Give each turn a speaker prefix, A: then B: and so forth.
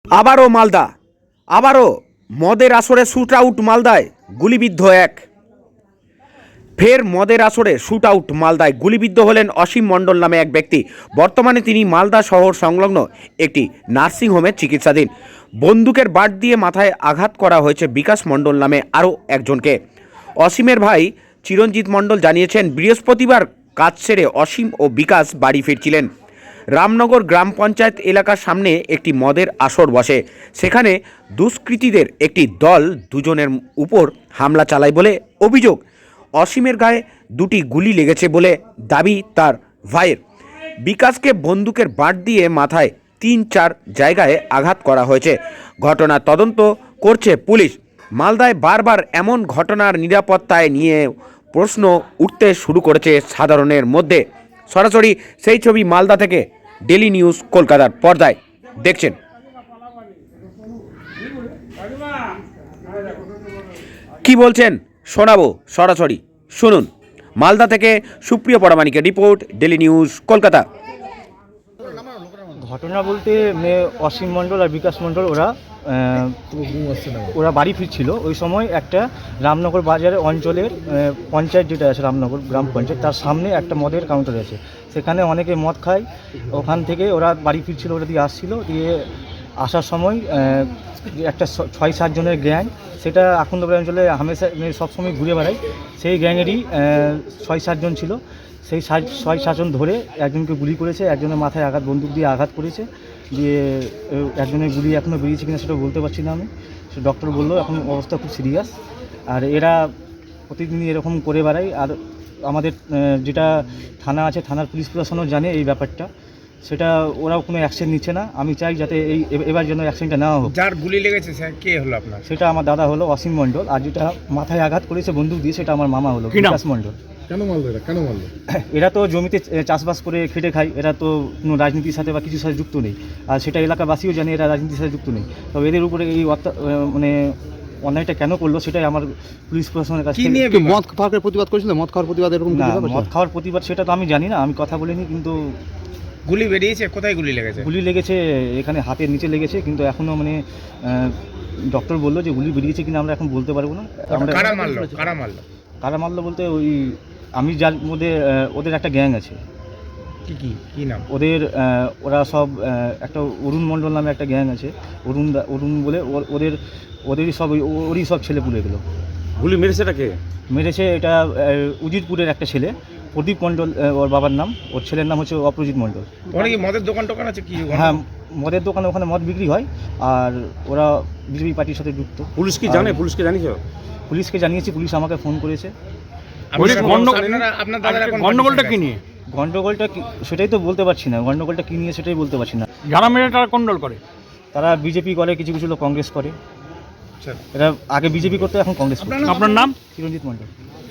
A: আবারও মালদা, আবারও মদের আসরে শ্যুট আউট মালদায়, গুলিবিদ্ধ এক। ফের মদের আসরে শ্যুট আউট মালদায়, গুলিবিদ্ধ হলেন অসীম মণ্ডল নামে এক ব্যক্তি। বর্তমানে তিনি মালদা শহর সংলগ্ন একটি নার্সিংহোমে চিকিৎসাধীন। বন্দুকের বাট দিয়ে মাথায় আঘাত করা হয়েছে বিকাশ মণ্ডল নামে আরও একজনকে। অসীমের ভাই চিরঞ্জিত মণ্ডল জানিয়েছেন, বৃহস্পতিবার কাজ সেরে অসীম ও বিকাশ বাড়ি ফিরছিলেন। রামনগর গ্রাম পঞ্চায়েত এলাকার সামনে একটি মদের আসর বসে। সেখানে দুষ্কৃতীদের একটি দল দুজনের উপর হামলা চালায় বলে অভিযোগ। অসীমের গায়ে দুটি গুলি লেগেছে বলে দাবি তার ভাইয়ের। বিকাশকে বন্দুকের বাট দিয়ে মাথায় 3-4 জায়গায় আঘাত করা হয়েছে। ঘটনার তদন্ত করছে পুলিশ। মালদায় বারবার এমন ঘটনার নিরাপত্তায় নিয়ে প্রশ্ন উঠতে শুরু করেছে সাধারণের মধ্যে। সরাসরি সেই ছবি মালদা থেকে ডেলি নিউজ কলকাতার পর্দায় দেখছেন। কি বলছেন শোনাবো, সরাসরি শুনুন। মালদা থেকে সুপ্রিয় পরামানিকের রিপোর্ট, ডেলি নিউজ কলকাতা।
B: ঘটনা বলতে অসীম মণ্ডল আর বিকাশ মণ্ডল ওরা বাড়ি ফিরছিল। ওই সময় একটা রামনগর বাজারের অঞ্চলের পঞ্চায়েত যেটা আছে, রামনগর গ্রাম পঞ্চায়েত, তার সামনে একটা মদের কাউন্টার আছে। সেখানে অনেকে মদ খায়। ওখান থেকে ওরা বাড়ি ফিরছিল, ওরা দিয়ে আসছিল। দিয়ে আসার সময় একটা 6-7 জনের গ্যাং, সেটা আখন্দপুর অঞ্চলে হামেশা সবসময় ঘুরে বেড়ায়। সেই গ্যাংয়েরই 6-7 জন ছিল। সেই 6-7 জন ধরে একজনকে গুলি করেছে, একজনের মাথায় বন্দুক দিয়ে আঘাত করেছে। দিয়ে একজনের গুলি এখনও বেরিয়েছে কিনা সেটা বলতে পারছি না আমি। সে ডক্টর বললো এখন অবস্থা খুব সিরিয়াস। আর এরা প্রতিদিনই এরকম করে বেড়ায়। আর আমাদের যেটা থানা আছে, থানার পুলিশ প্রশাসনও জানে এই ব্যাপারটা। সেটা ওরাও কোনো অ্যাকশন নিচ্ছে না। আমি চাই যাতে এবার যেন অ্যাকশনটা নেওয়া হোক।
C: যার গুলি লেগেছে স্যার কে হলো আপনার?
B: সেটা আমার দাদা হলো অসীম মণ্ডল। আর যেটা মাথায় আঘাত করেছে বন্দুক দিয়ে, সেটা আমার মামা হলো বিকাশ মণ্ডল।
C: কেন মারলো এরা? কেন মারলো?
B: এরা তো জমিতে চাষবাস করে খেটে খায়। এরা তো কোনো রাজনীতির সাথে বা কিছুর সাথে যুক্ত নেই। আর সেটা এলাকাবাসীও জানে এরা রাজনীতির সাথে যুক্ত নেই। তবে এদের উপরে এই মানে অন্যায়টা কেন করলো সেটাই আমার পুলিশ প্রশাসনের কাছে।
C: মদ খাওয়ার প্রতিবাদ করেছিল? মদ খাওয়ার প্রতিবাদ এরকম
B: না, মদ খাওয়ার প্রতিবাদ সেটা তো আমি জানি না, আমি কথা বলিনি। কিন্তু
C: গুলি বেরিয়েছে, কোথায় গুলি লেগেছে?
B: গুলি লেগেছে এখানে হাতের নিচে লেগেছে, কিন্তু এখনও মানে ডক্টর বললো যে গুলি বেরিয়েছে কিনা আমরা এখন বলতে পারবো না।
C: কারা মারলো? কারা মারলো?
B: কারা মারলো বলতে ওই আমি যার মধ্যে ওদের একটা গ্যাং আছে।
C: কি নাম
B: ওদের? ওরা সব একটা অরুণ মণ্ডল নামে একটা গ্যাং আছে। অরুণ বলে ওদেরই সব ওরই সব ছেলেপুলেগুলো।
C: গুলি মেরেছে এটাকে?
B: মেরেছে এটা উজিরপুরের একটা ছেলে, প্রদীপ মণ্ডল ওর বাবার নাম। ওর ছেলের নাম হচ্ছে অপরাজিৎ মণ্ডল।
C: ওখানে কি মদের দোকান আছে কি?
B: হ্যাঁ, মদের দোকানে ওখানে মদ বিক্রি হয়। আর ওরা বিজেপি পার্টির সাথে যুক্ত।
C: পুলিশ কি জানে? পুলিশকে জানিয়েছো?
B: পুলিশকে জানিয়েছি, পুলিশ আমাকে ফোন করেছে।
C: আপনার দাদার গন্ডগোলটা কি নিয়ে?
B: গন্ডগোলটা সেটাই তো বলতে পারছি না। গন্ডগোলটা কী নিয়ে সেটাই বলতে পারছি না।
C: যারা মেরে তারা গন্ডগোল করে?
B: তারা বিজেপি করে, কিছু কিছু লোক কংগ্রেস করে। এরা আগে বিজেপি করতো, এখন কংগ্রেস করে।
C: আপনার নাম?
B: চিরঞ্জিত মণ্ডল।